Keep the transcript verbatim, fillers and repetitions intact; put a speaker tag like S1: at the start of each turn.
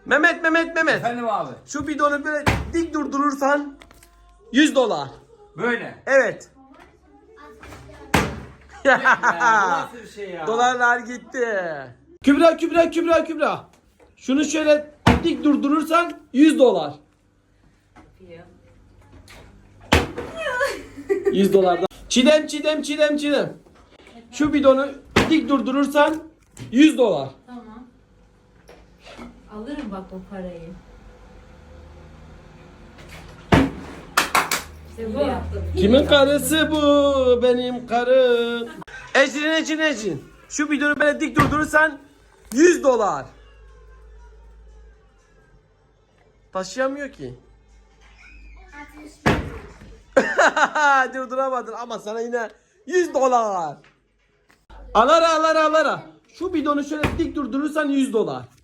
S1: Mehmet Mehmet Mehmet.
S2: Efendim abi.
S1: Şu bidonu böyle dik durdurursan yüz dolar.
S2: Böyle.
S1: Evet.
S2: Ya, bu nasıl bir şey ya?
S1: Dolarlar gitti. Kübra Kübra Kübra Kübra. Şunu şöyle dik durdurursan yüz dolar. yüz dolardan. Çiğdem Çiğdem Çiğdem Çiğdem. Şu bidonu dik durdurursan yüz dolar.
S3: Tamam. Alırım bak o parayı. İşte bu yaptım.
S1: Kimin karısı bu? Benim karım. Ecrin Ecrin Ecrin. Şu bidonu böyle dik durdurursan yüz dolar. Taşıyamıyor ki. Durduramadın ama sana yine yüz dolar. Alara alara alara. Şu bidonu şöyle dik durdurursan yüz dolar.